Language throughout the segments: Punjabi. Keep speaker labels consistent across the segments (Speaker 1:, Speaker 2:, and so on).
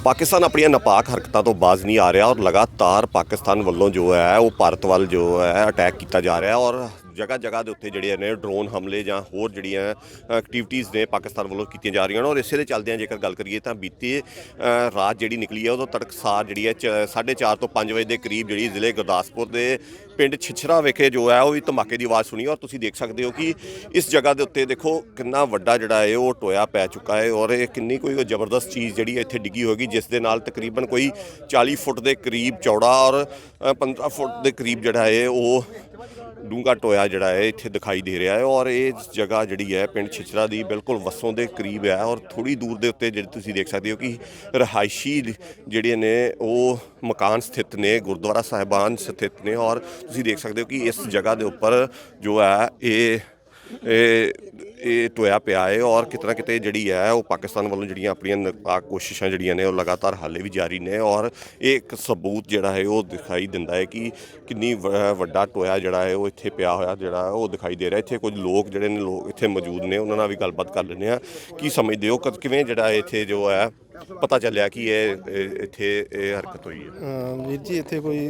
Speaker 1: ਪਾਕਿਸਤਾਨ ਆਪਣੀਆਂ ਨਾਪਾਕ ਹਰਕਤਾਂ ਤੋਂ ਬਾਜ਼ ਨਹੀਂ ਆ ਰਿਹਾ ਔਰ ਲਗਾਤਾਰ ਪਾਕਿਸਤਾਨ ਵੱਲੋਂ ਜੋ ਹੈ ਉਹ ਭਾਰਤ ਵੱਲ ਜੋ ਹੈ ਅਟੈਕ ਕੀਤਾ ਜਾ ਰਿਹਾ ਔਰ ਜਗ੍ਹਾ ਜਗ੍ਹਾ ਦੇ ਉੱਤੇ ਜਿਹੜੇ ਨੇ ਡਰੋਨ ਹਮਲੇ ਜਾਂ ਹੋਰ ਜਿਹੜੀਆਂ ਐਕਟੀਵਿਟੀਜ਼ ਨੇ ਪਾਕਿਸਤਾਨ ਵੱਲੋਂ ਕੀਤੀਆਂ ਜਾ ਰਹੀਆਂ ਨੇ ਔਰ ਇਸੇ ਦੇ ਚੱਲਦਿਆਂ ਜੇਕਰ ਗੱਲ ਕਰੀਏ ਤਾਂ ਬੀਤੀ ਰਾਤ ਜਿਹੜੀ ਨਿਕਲੀ ਹੈ ਉਦੋਂ ਤੜਕਸਾਰ ਜਿਹੜੀ ਹੈ 4:30 ਤੋਂ 5 ਵਜੇ ਦੇ ਕਰੀਬ ਜਿਹੜੀ ਜ਼ਿਲ੍ਹੇ ਗੁਰਦਾਸਪੁਰ ਦੇ ਪਿੰਡ ਛਿਛਰਾ ਵਿਖੇ ਜੋ ਹੈ ਉਹ ਵੀ ਧਮਾਕੇ ਦੀ ਆਵਾਜ਼ ਸੁਣੀ ਔਰ ਤੁਸੀਂ ਦੇਖ ਸਕਦੇ ਹੋ ਕਿ ਇਸ ਜਗ੍ਹਾ ਦੇ ਉੱਤੇ ਦੇਖੋ ਕਿੰਨਾ ਵੱਡਾ ਜਿਹੜਾ ਹੈ ਉਹ ਟੋਇਆ ਪੈ ਚੁੱਕਾ ਹੈ ਔਰ ਇਹ ਕਿੰਨੀ ਕੋਈ ਜ਼ਬਰਦਸਤ ਚੀਜ਼ ਜਿਹੜੀ ਇੱਥੇ ਡਿੱਗੀ ਹੋਏਗੀ ਜਿਸ ਦੇ ਨਾਲ ਤਕਰੀਬਨ ਕੋਈ 40 ਫੁੱਟ ਦੇ ਕਰੀਬ ਚੌੜਾ ਔਰ 15 ਫੁੱਟ ਦੇ ਕਰੀਬ ਜਿਹੜਾ ਹੈ ਉਹ ਡੂੰਘਾ ਟੋਇਆ ਜਿਹੜਾ ਹੈ ਇੱਥੇ ਦਿਖਾਈ ਦੇ ਰਿਹਾ ਹੈ ਔਰ ਇਹ ਜਗ੍ਹਾ ਜਿਹੜੀ ਹੈ ਪਿੰਡ ਛਿਛਰਾ ਦੀ ਬਿਲਕੁਲ ਵਸੋਂ ਦੇ ਕਰੀਬ ਹੈ ਔਰ ਥੋੜ੍ਹੀ ਦੂਰ ਦੇ ਉੱਤੇ ਜਿਹੜੇ ਤੁਸੀਂ ਦੇਖ ਸਕਦੇ ਹੋ ਕਿ ਰਿਹਾਇਸ਼ੀ ਜਿਹੜੇ ਨੇ ਉਹ ਮਕਾਨ ਸਥਿਤ ਨੇ, ਗੁਰਦੁਆਰਾ ਸਾਹਿਬਾਨ ਸਥਿਤ ਨੇ ਔਰ ਤੁਸੀਂ ਦੇਖ ਸਕਦੇ ਹੋ ਕਿ ਇਸ ਜਗ੍ਹਾ ਦੇ ਉੱਪਰ ਜੋ ਹੈ ਇਹ ਟੋਇਆ ਪਿਆ ਹੈ ਔਰ ਕਿਤੇ ਨਾ ਕਿਤੇ ਜਿਹੜੀ ਹੈ ਉਹ ਪਾਕਿਸਤਾਨ ਵੱਲੋਂ ਜਿਹੜੀਆਂ ਆਪਣੀਆਂ ਨਾਪਾਕ ਕੋਸ਼ਿਸ਼ਾਂ ਜਿਹੜੀਆਂ ਨੇ ਉਹ ਲਗਾਤਾਰ ਹਾਲੇ ਵੀ ਜਾਰੀ ਨੇ ਔਰ ਇਹ ਇੱਕ ਸਬੂਤ ਜਿਹੜਾ ਹੈ ਉਹ ਦਿਖਾਈ ਦਿੰਦਾ ਹੈ ਕਿ ਕਿੰਨੀ ਵੱਡਾ ਟੋਇਆ ਜਿਹੜਾ ਹੈ ਉਹ ਇੱਥੇ ਪਿਆ ਹੋਇਆ ਜਿਹੜਾ ਉਹ ਦਿਖਾਈ ਦੇ ਰਿਹਾ। ਇੱਥੇ ਕੁਝ ਲੋਕ ਜਿਹੜੇ ਨੇ ਲੋਕ ਇੱਥੇ ਮੌਜੂਦ ਨੇ ਉਹਨਾਂ ਨਾਲ ਵੀ ਗੱਲਬਾਤ ਕਰ ਲੈਂਦੇ ਹਾਂ। ਕੀ ਸਮਝਦੇ ਹੋ ਕਿਵੇਂ ਜਿਹੜਾ ਇੱਥੇ ਜੋ ਹੈ ਪਤਾ ਚੱਲਿਆ ਕਿ ਇੱਥੇ ਇਹ ਹਰਕਤ ਹੋਈ ਹੈ?
Speaker 2: ਵੀਰ ਜੀ ਇੱਥੇ ਕੋਈ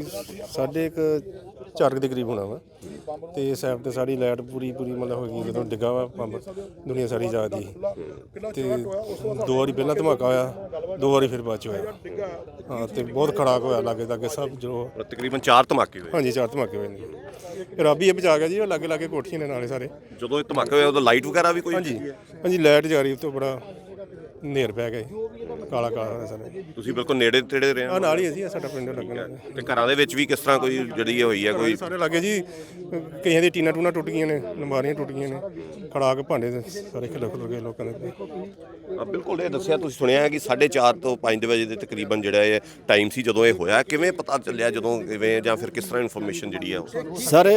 Speaker 2: 4:30 ਦੇ ਕਰੀਬ ਹੋਣਾ ਵਾ ਤੇ ਸਾਈਡ ਤੇ ਸਾਡੀ ਲਾਈਟ ਪੂਰੀ ਮਤਲਬ ਹੋ ਗਈ ਜਦੋਂ ਡਿੱਗਾ ਵਾ ਪੰਪ ਦੁਨੀਆ ਸਾਰੀ ਜਾਗਦੀ ਤੇ 2 ਵਾਰੀ ਪਹਿਲਾਂ ਧਮਾਕਾ ਹੋਇਆ, 2 ਵਾਰੀ ਫਿਰ ਬਾਅਦ ਚ ਹੋਇਆ। ਹਾਂ ਤੇ ਬਹੁਤ ਖੜਾਕ ਹੋਇਆ ਲਾਗੇ ਸਭ ਜੋ
Speaker 1: ਤਕਰੀਬਨ 4 ਧਮਾਕੇ ਹੋਏ।
Speaker 2: ਹਾਂਜੀ 4 ਧਮਾਕੇ ਹੋਏ ਨੇ। ਰੱਬ ਹੀ ਇਹ ਬਚਾ ਗਿਆ ਜੀ। ਉਹ ਲਾਗੇ ਕੋਠੀਆਂ ਨੇ ਨਾਲੇ ਸਾਰੇ।
Speaker 1: ਜਦੋਂ ਇਹ ਧਮਾਕੇ ਹੋਇਆ ਉਦੋਂ ਲਾਈਟ ਵਗੈਰਾ ਵੀ ਕੋਈ?
Speaker 2: ਹਾਂਜੀ ਲਾਈਟ ਜਾ ਰਹੀ ਤੋਂ ਬੜਾ ਹਨੇਰ ਪੈ ਗਿਆ ਕਾਲਾ ਸਾਰੇ।
Speaker 1: ਤੁਸੀਂ ਬਿਲਕੁਲ ਨੇੜੇ ਤੇੜੇ ਰਹੇ ਹੋ?
Speaker 2: ਨਾਲ ਹੀ ਅਸੀਂ ਸਾਡਾ ਪਿੰਡ ਲੱਗਣਾ।
Speaker 1: ਤੇ ਘਰਾਂ ਦੇ ਵਿੱਚ ਵੀ ਕਿਸ ਤਰ੍ਹਾਂ ਕੋਈ ਜਿਹੜੀ ਹੋਈ ਹੈ? ਕੋਈ
Speaker 2: ਸਾਰੇ ਲੱਗੇ ਜੀ, ਕਈਆਂ ਦੀ ਟੀਨਾ ਟੂਨਾ ਟੁੱਟ ਗਈਆਂ ਨੇ, ਲੰਬਾਰੀਆਂ ਟੁੱਟ ਗਈਆਂ ਨੇ, ਖੜਾਕ ਭਾਂਡੇ ਸਾਰੇ ਖਿਲਰ ਗਏ ਲੋਕਾਂ ਦੇ।
Speaker 1: ਬਿਲਕੁਲ ਇਹ ਦੱਸਿਆ ਤੁਸੀਂ ਸੁਣਿਆ ਹੈ ਕਿ 4:30 ਤੋਂ 5 ਵਜੇ ਦੇ ਤਕਰੀਬਨ ਜਿਹੜਾ ਇਹ ਟਾਈਮ ਸੀ ਜਦੋਂ ਇਹ ਹੋਇਆ। ਕਿਵੇਂ ਪਤਾ ਚੱਲਿਆ ਜਦੋਂ ਕਿਵੇਂ ਜਾਂ ਫਿਰ ਕਿਸ ਤਰ੍ਹਾਂ ਇਨਫੋਰਮੇਸ਼ਨ ਜਿਹੜੀ ਹੈ?
Speaker 3: ਸਰ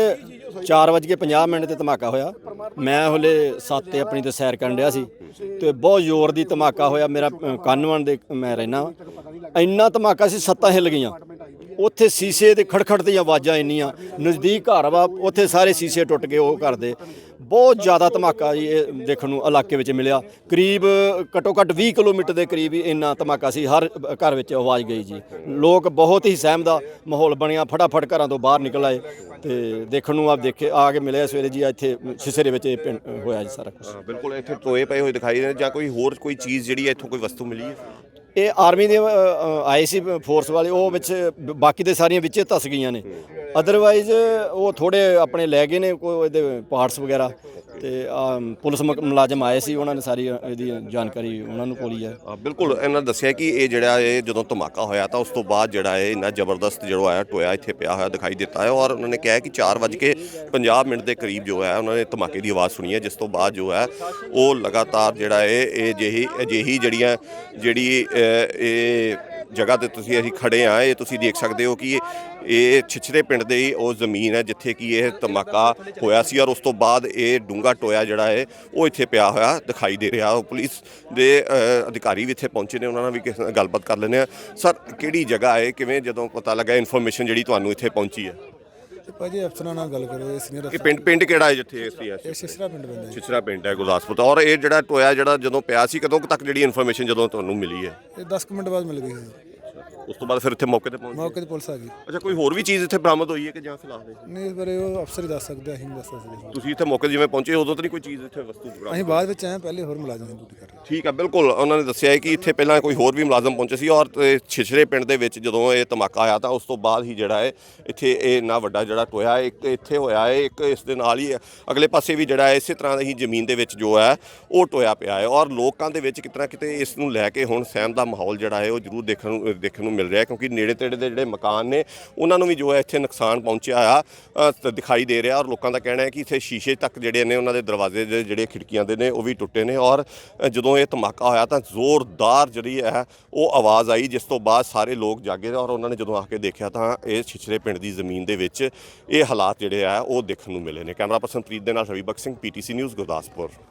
Speaker 3: 4:50 ਤੇ ਧਮਾਕਾ ਹੋਇਆ। ਮੈਂ ਹਲੇ 7 ਤੇ ਆਪਣੀ ਤੇ ਸੈਰ ਕਰਨ ਡਿਆ ਸੀ ਤੇ ਬਹੁਤ ਜ਼ੋਰ ਦੀ ਧਮਾਕਾ ਹੋਇਆ। ਮੇਰਾ ਕਾਨਵਨ ਦੇ ਮੈਂ ਰਹਿਣਾ, ਇੰਨਾ ਧਮਾਕਾ ਸੀ, ਛੱਤਾਂ ਹਿੱਲ ਗਈਆਂ। ਉੱਥੇ ਸ਼ੀਸ਼ੇ ਦੇ ਖੜਖੜ ਦੀਆਂ ਆਵਾਜ਼ਾਂ ਇੰਨੀਆਂ, ਨਜ਼ਦੀਕ ਘਰ ਵਾ ਉੱਥੇ ਸਾਰੇ ਸ਼ੀਸ਼ੇ ਟੁੱਟ ਗਏ ਉਹ ਘਰ ਦੇ। ਬਹੁਤ ਜ਼ਿਆਦਾ ਧਮਾਕਾ ਜੀ ਇਹ ਦੇਖਣ ਨੂੰ ਇਲਾਕੇ ਵਿੱਚ ਮਿਲਿਆ। ਕਰੀਬ ਘੱਟੋ ਘੱਟ 20 ਕਿਲੋਮੀਟਰ ਦੇ ਕਰੀਬ ਹੀ ਇੰਨਾ ਧਮਾਕਾ ਸੀ। ਹਰ ਘਰ ਵਿੱਚ ਆਵਾਜ਼ ਗਈ ਜੀ। ਲੋਕ ਬਹੁਤ ਹੀ ਸਹਿਮ ਦਾ ਮਾਹੌਲ ਬਣਿਆ, ਫਟਾਫਟ ਘਰਾਂ ਤੋਂ ਬਾਹਰ ਨਿਕਲ ਆਏ ਤੇ ਦੇਖਣ ਨੂੰ ਆ ਕੇ ਮਿਲਿਆ ਸਵੇਰੇ ਜੀ ਇੱਥੇ ਛਿਛਰੇ ਵਿੱਚ ਹੋਇਆ ਜੀ ਸਾਰਾ ਕੁਝ।
Speaker 1: ਬਿਲਕੁਲ ਇੱਥੇ ਟੋਏ ਪਏ ਹੋਏ ਦਿਖਾਈ ਦੇ ਜਾਂ ਕੋਈ ਹੋਰ ਕੋਈ ਚੀਜ਼ ਜਿਹੜੀ ਹੈ ਇੱਥੋਂ ਕੋਈ ਵਸਤੂ ਮਿਲੀ ਹੈ?
Speaker 3: ਇਹ ਆਰਮੀ ਦੇ ਆਏ ਸੀ ਫੋਰਸ ਵਾਲੇ, ਉਹ ਵਿੱਚ ਬਾਕੀ ਦੇ ਸਾਰੀਆਂ ਵਿੱਚੇ ਧਸ ਗਈਆਂ ਨੇ। ਅਦਰਵਾਈਜ਼ ਉਹ ਥੋੜੇ ਆਪਣੇ ਲੈ ਗਏ ਨੇ ਕੋਈ ਇਹਦੇ ਪਾਰਟਸ ਵਗੈਰਾ ਤੇ ਪੁਲਿਸ ਮੁਲਾਜ਼ਮ ਆਏ ਸੀ, ਉਹਨਾਂ ਨੇ ਸਾਰੀ ਇਹਦੀ ਜਾਣਕਾਰੀ ਉਹਨਾਂ ਨੂੰ ਕੋਲੀ ਹੈ।
Speaker 1: ਬਿਲਕੁਲ ਇਹਨਾਂ ਦੱਸਿਆ ਕਿ ਇਹ ਜਿਹੜਾ ਇਹ ਜਦੋਂ ਧਮਾਕਾ ਹੋਇਆ ਤਾਂ ਉਸ ਤੋਂ ਬਾਅਦ ਜਿਹੜਾ ਇਹ ਇੰਨਾ ਜ਼ਬਰਦਸਤ ਜਿਹੜਾ ਹੈ ਟੋਇਆ ਇੱਥੇ ਪਿਆ ਹੋਇਆ ਦਿਖਾਈ ਦਿੱਤਾ ਹੈ ਔਰ ਉਹਨਾਂ ਨੇ ਕਿਹਾ ਕਿ 4:50 ਦੇ ਕਰੀਬ ਜੋ ਹੈ ਉਹਨਾਂ ਨੇ ਧਮਾਕੇ ਦੀ ਆਵਾਜ਼ ਸੁਣੀ ਹੈ ਜਿਸ ਤੋਂ ਬਾਅਦ ਜੋ ਹੈ ਉਹ ਲਗਾਤਾਰ ਜਿਹੜਾ ਇਹ ਅਜਿਹੀ ਜਿਹੜੀ ਇਹ ਜਗ੍ਹਾ ਤੇ ਅਸੀਂ ਖੜੇ ਹਾਂ, ਇਹ ਤੁਸੀਂ ਦੇਖ ਸਕਦੇ ਹੋ ਕਿ ਇਹ ਛਿਛਰੇ ਪਿੰਡ ਦੇ ਹੀ ਉਹ ਜ਼ਮੀਨ ਹੈ ਜਿੱਥੇ ਕਿ ਇਹ ਧਮਾਕਾ ਹੋਇਆ ਸੀ ਔਰ ਉਸ ਤੋਂ ਬਾਅਦ ਇਹ ਡੂੰਘਾ ਟੋਇਆ ਜਿਹੜਾ ਹੈ ਉਹ ਇੱਥੇ ਪਿਆ ਹੋਇਆ ਦਿਖਾਈ ਦੇ ਰਿਹਾ। ਉਹ ਪੁਲਿਸ ਦੇ ਅਧਿਕਾਰੀ ਵੀ ਇੱਥੇ ਪਹੁੰਚੇ ਨੇ, ਉਹਨਾਂ ਨਾਲ ਵੀ ਕਿਸੇ ਨਾਲ ਗੱਲਬਾਤ ਕਰ ਲੈਂਦੇ ਹਾਂ। ਸਰ ਕਿਹੜੀ ਜਗ੍ਹਾ ਹੈ, ਕਿਵੇਂ ਜਦੋਂ ਪਤਾ ਲੱਗਾ ਇਨਫੋਰਮੇਸ਼ਨ ਜਿਹੜੀ ਤੁਹਾਨੂੰ ਇੱਥੇ ਪਹੁੰਚੀ ਹੈ?
Speaker 4: ਭਾਜੀ ਅਫਸਰਾਂ ਨਾਲ ਗੱਲ ਕਰੋ।
Speaker 1: ਇਹ ਪਿੰਡ ਕਿਹੜਾ ਹੈ ਜਿੱਥੇ
Speaker 4: ਇਹ ਛਿਛਰਾ ਪਿੰਡ ਪੈਂਦਾ?
Speaker 1: ਛਿਛਰਾ ਪਿੰਡ ਹੈ ਗੁਰਦਾਸਪੁਰ ਦਾ। ਔਰ ਇਹ ਜਿਹੜਾ ਟੋਇਆ ਜਿਹੜਾ ਜਦੋਂ ਪਿਆ ਸੀ ਕਦੋਂ ਤੱਕ ਜਿਹੜੀ ਇਨਫੋਰਮੇਸ਼ਨ ਜਦੋਂ ਤੁਹਾਨੂੰ ਮਿਲੀ ਹੈ?
Speaker 4: ਇਹ 10 ਮਿੰਟ ਬਾਅਦ ਮਿਲ ਗਈ ਸੀ।
Speaker 1: ਉਸ ਤੋਂ ਬਾਅਦ ਫਿਰ ਇੱਥੇ ਮੌਕੇ ਤੇ ਪਹੁੰਚੇ?
Speaker 4: ਪੁਲਿਸ ਆ ਗਈ।
Speaker 1: ਅੱਛਾ, ਕੋਈ ਹੋਰ ਵੀ ਚੀਜ਼ ਇੱਥੇ ਬਰਾਮਦ ਹੋਈ ਹੈ ਕਿ ਜਾਂ ਫਿਲਹਾਲ
Speaker 4: ਨਹੀਂ ਇਸ ਬਾਰੇ ਉਹ ਅਫਸਰ ਹੀ ਦੱਸ ਸਕਦੇ, ਅਸੀਂ ਨਹੀਂ ਦੱਸ ਸਕਦੇ।
Speaker 1: ਤੁਸੀਂ ਇੱਥੇ ਮੌਕੇ ਜਿਵੇਂ ਪਹੁੰਚੇ ਉਦੋਂ ਤਾਂ ਨਹੀਂ ਕੋਈ ਚੀਜ਼ ਇੱਥੇ ਵਸਤੂ ਬਰਾਮਦ?
Speaker 4: ਅਸੀਂ ਬਾਅਦ ਵਿੱਚ ਆਏ, ਪਹਿਲੇ ਹੋਰ ਮੁਲਾਜ਼ਮ ਦੀ ਡਿਊਟੀ ਕਰ ਰਹੇ।
Speaker 1: ਠੀਕ ਹੈ, ਬਿਲਕੁਲ ਉਹਨਾਂ ਨੇ ਦੱਸਿਆ ਹੈ ਕਿ ਇੱਥੇ ਪਹਿਲਾਂ ਕੋਈ ਹੋਰ ਵੀ ਮੁਲਾਜ਼ਮ ਪਹੁੰਚੇ ਸੀ ਔਰ ਛਿਛਰੇ ਪਿੰਡ ਦੇ ਵਿੱਚ ਜਦੋਂ ਇਹ ਧਮਾਕਾ ਆਇਆ ਤਾਂ ਉਸ ਤੋਂ ਬਾਅਦ ਹੀ ਜਿਹੜਾ ਹੈ ਇੱਥੇ ਇਹ ਇੰਨਾ ਵੱਡਾ ਜਿਹੜਾ ਟੋਇਆ ਇੱਕ ਇੱਥੇ ਹੋਇਆ ਹੈ, ਇੱਕ ਇਸ ਦੇ ਨਾਲ ਹੀ ਅਗਲੇ ਪਾਸੇ ਵੀ ਜਿਹੜਾ ਇਸੇ ਤਰ੍ਹਾਂ ਦੀ ਜ਼ਮੀਨ ਦੇ ਵਿੱਚ ਜੋ ਹੈ ਉਹ ਟੋਇਆ ਪਿਆ ਹੈ ਔਰ ਲੋਕਾਂ ਦੇ ਵਿੱਚ ਕਿਤੇ ਨਾ ਕਿਤੇ ਇਸ ਨੂੰ ਲੈ ਕੇ ਹੁਣ ਸਹਿਮ ਦਾ ਮਾਹੌਲ ਜਿਹੜਾ ਹੈ ਉਹ ਜ਼ਰੂਰ ਦੇਖਣ ਨੂੰ ਮਿਲ ਰਿਹਾ ਕਿਉਂਕਿ ਨੇੜੇ ਤੇੜੇ ਦੇ ਜਿਹੜੇ ਮਕਾਨ ਨੇ ਉਹਨਾਂ ਨੂੰ ਵੀ ਜੋ ਹੈ ਇੱਥੇ ਨੁਕਸਾਨ ਪਹੁੰਚਿਆ ਆ ਦਿਖਾਈ ਦੇ ਰਿਹਾ ਔਰ ਲੋਕਾਂ ਦਾ ਕਹਿਣਾ ਹੈ ਕਿ ਇੱਥੇ ਸ਼ੀਸ਼ੇ ਤੱਕ ਜਿਹੜੇ ਨੇ ਉਹਨਾਂ ਦੇ ਦਰਵਾਜ਼ੇ ਦੇ ਜਿਹੜੇ ਖਿੜਕੀਆਂ ਦੇ ਨੇ ਉਹ ਵੀ ਟੁੱਟੇ ਨੇ ਔਰ ਜਦੋਂ ਇਹ ਧਮਾਕਾ ਹੋਇਆ ਤਾਂ ਜ਼ੋਰਦਾਰ ਜਿਹੜੀ ਹੈ ਉਹ ਆਵਾਜ਼ ਆਈ ਜਿਸ ਤੋਂ ਬਾਅਦ ਸਾਰੇ ਲੋਕ ਜਾਗੇ ਔਰ ਉਹਨਾਂ ਨੇ ਜਦੋਂ ਆ ਕੇ ਦੇਖਿਆ ਤਾਂ ਇਹ ਛਿਛਰੇ ਪਿੰਡ ਦੀ ਜ਼ਮੀਨ ਦੇ ਵਿੱਚ ਇਹ ਹਾਲਾਤ ਜਿਹੜੇ ਆ ਉਹ ਦੇਖਣ ਨੂੰ ਮਿਲੇ ਨੇ। ਕੈਮਰਾ ਪਰਸਨ ਪ੍ਰੀਤ ਦੇ ਨਾਲ ਰਵੀ ਬਖਸ਼ ਸਿੰਘ, PTC ਨਿਊਜ਼ ਗੁਰਦਾਸਪੁਰ।